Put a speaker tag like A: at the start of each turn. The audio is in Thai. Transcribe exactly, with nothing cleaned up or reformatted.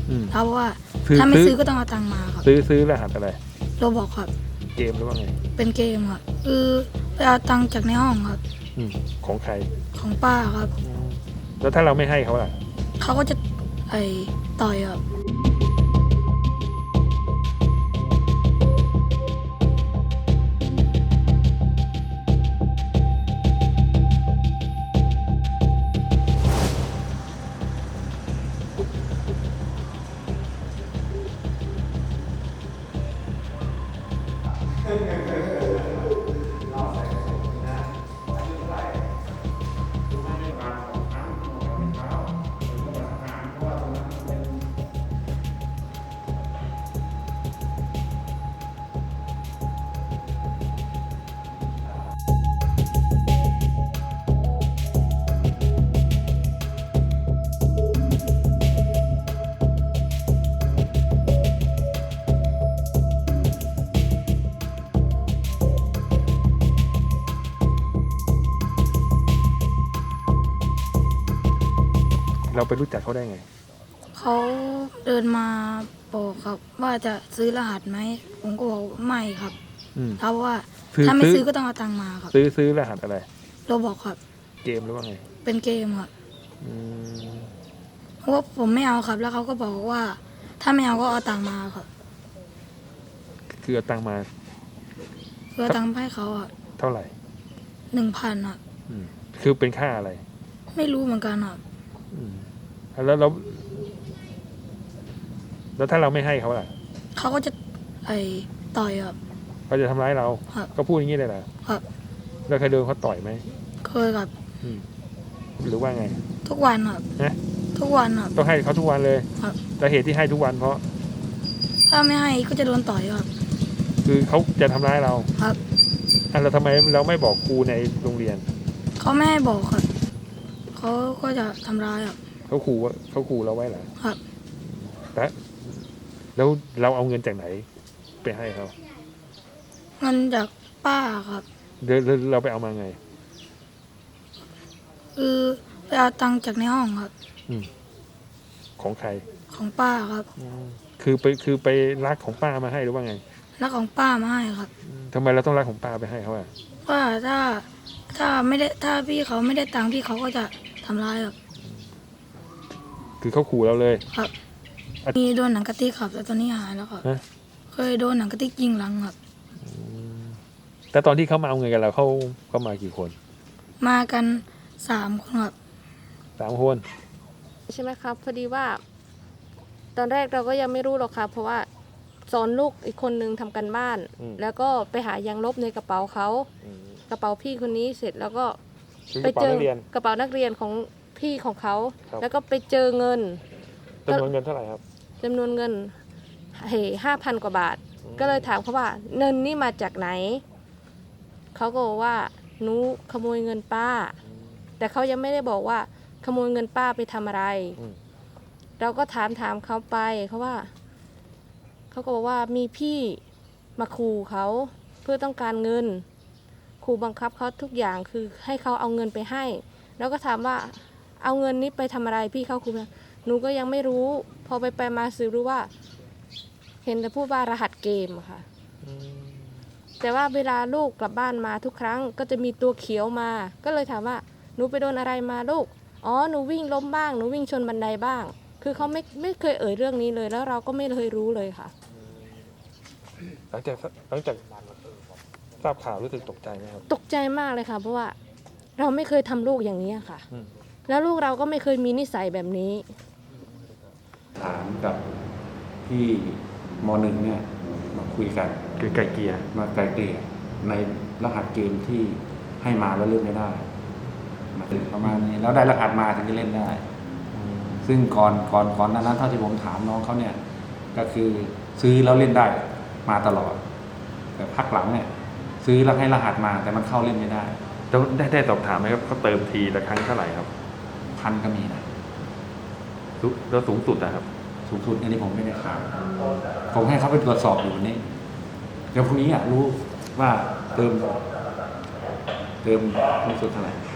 A: เพราะว่า
B: ซื้อ
A: ถ้าไม่
B: ซื้อ
A: ซื้อก็ต้องเอาตังค์มาครับ
B: ซื้อซื้อรหัสอะไร
A: โรบอกครับ
B: เกมหรือว่าไง
A: เป็นเกมครับคือไปเอาตังค์จากในห้องครับ
B: อืมของใคร
A: ของป้าครับ
B: อืมแล้วถ้าเราไม่ให้เขาล่ะ
A: เขาก็จะไอ้ต่อยครับ
B: เราไปรู้จักเขาได้ไง
A: เขาเดินมาบอกครับ ว่าจะซื้อรหัสไหมผมก็บอกไม่ครับ
B: อืม
A: เพราะว่า
B: ซื้อ
A: ถ้าไม่
B: ซื้อ
A: ซื้อก็ต้องเอาตังค์มาครับ
B: ซื้อซื้อรหัสอะไร
A: โรบอกครับ
B: เกมหรือว่าไง
A: เป็นเกมครับ
B: อืม
A: เพราะว่าผมไม่เอาครับ แล้วเขาก็บอกว่า ถ้าไม่เอาก็เอาตังค์มาครับ
B: คือเอาตังค์มา
A: เพื่อเอาตังค์ไปให้เขาอ่ะ
B: เท่าไหร่
A: หนึ่งพันครับ
B: อืมคือเป็นค่าอะไร
A: ไม่รู้เหมือนกันครับ
B: อืมแล้วเราแล้วถ้าเราไม่ให้เขาล่ะ
A: เขาก็จะไอ้ต่อยครับ
B: เขาจะทำร้ายเรา
A: ครับ
B: ก็พูดอย่างนี้เลยเหรอ
A: ครับ
B: แล้วเคยโดนเขาต่อยไหม
A: เคยครับ
B: อืมหรือว่าไง
A: ทุกวันครับ
B: นะ
A: ทุกวันครับ
B: ต้องให้เขาทุกวันเลย
A: ครับ
B: แต่เหตุที่ให้ทุกวันเพราะ
A: ถ้าไม่ให้ก็จะโดนต่อยครับ
B: คือเขาจะทำร้ายเรา
A: ครับ
B: อ่ะเราทำไมเราไม่บอกครูในโรงเรียน
A: เขาไม่ให้บอกครับ เขาก็จะทำร้ายครับ
B: เขาขู่ว่าเขาขู่เราไว้เหรอ
A: ครับ
B: แล้วแล้วเราเอาเงินจากไหน ไปให้เขา
A: เงินจากป้าครับ
B: เดี๋ยวเราเราไปเอามาไง
A: คือไปเอาตังค์จากในห้องครับ
B: อืมของใคร
A: ของป้าครับ
B: คือไปคือไปรักของป้ามาให้หรือว่าไง
A: แล้วของป้ามาให้ครับ
B: ทำไมเราต้องรักของป้าไปให้เขาอ่ะ
A: ว่าถ้าถ้าไม่ได้ถ้าพี่เขาไม่ได้ตังค์พี่เขาก็จะทำร้ายครับ
B: คือเขาขู่เราเลย
A: ครับ
B: อ่ะ
A: มีโดนหนังกะติกครับแต่ตอนนี้หายแล้วครับ
B: ฮะ
A: เคยโดนหนังกะติกยิงหลังครับ
B: แต่ตอนที่เขามาเอาเงินกับเราเขาเขามากี่คน
A: มากันสามคนครับ
B: สามคน
C: ใช่ไหมครับพอดีว่า ตอนแรกเราก็ยังไม่รู้หรอกครับเพราะว่าสอนลูกอีกคนนึงทำกันบ้าน แล้วก็ไปหายางลบในกระเป๋าเขากระเป๋าพี่คนนี้เสร็จแล้วก็
B: คือ
C: ไป
B: กระเป๋า
C: เจอ
B: นักเรียน
C: กระเป๋านักเรียนของพี่ของเขา
B: ครับ
C: แล้วก็ไปเจอเงิน
B: จำนวนเงินเท่าไหร่ครับ
C: จำนวนเงินเฮ้ห้าพันกว่าบาท ก็เลยถามเขาว่าเงินนี่มาจากไหนเขาก็บอกว่าหนูขโมยเงินป้า แต่เขายังไม่ได้บอกว่าขโมยเงินป้าไปทำอะไร
B: อืม
C: เราก็ถามถามเขาไปเขาว่าเขาก็บอกว่ามีพี่มาขู่เขาเพื่อต้องการเงินขู่บังคับเขาทุกอย่างคือให้เขาเอาเงินไปให้ แล้วก็ถามว่าเอาเงินนี้ไปทำอะไรพี่เขาขู่หนูก็ยังไม่รู้ พอไปไปมาสืบรู้ว่า เห็นแต่พูดว่ารหัสเกมอะค่ะแต่ว่าเวลาลูกกลับบ้านมาทุกครั้งก็จะมีตัวเขียวมา ก็เลยถามว่าหนูไปโดนอะไรมาลูกอ๋อหนูวิ่งล้มบ้างหนูวิ่งชนบันไดบ้าง คือเขาไม่ไม่เคยเอ่ยเรื่องนี้เลยแล้วเราก็ไม่เคยรู้เลยค่ะ
B: หลังจากหลังจากทราบข่าวรู้สึกตกใจไหมครับ
C: ตกใจมากเลยค่ะ เพราะว่าเราไม่เคยทำลูกอย่างนี้ค่ะ
B: อืม
C: แล้วลูกเราก็ไม่เคยมีนิสัยแบบนี้
D: ถามกับพี่มหนึ่งเนี่ยมาคุยกัน
B: คือไก่เกลีย
D: มาไกลเกลี่ยในรหัสเกมที่ให้มาแล้วเล่นไม่ได้มาถึงประมาณนี้แล้วได้รหัสมาถึงจะเล่นได้ ซึ่งก่อนก่อนก่อนหนานั้นเท่าที่ผมถามน้องเขาเนี่ย ก็คือซื้อแล้วเล่นได้มาตลอด แต่พักหลังเนี่ย ซื้อแล้วให้รหัสมาแต่มันเข้าเล่นไม่ได้
B: แล้วได้ได้สอบถามไหมครับเขาเติมทีละครั้งเท่าไหร่ครับ
D: พันก็มีนะ
B: สูแล้วสูงสุดนะครับ
D: สูงสุดอันนี้ผมไม่ได้ถามผมให้เขาไปตรวจสอบอยู่วันนี้เดี๋ยวพรุ่งนี้อ่ะรู้ว่าเติม เติมสูงสุดเท่าไหร่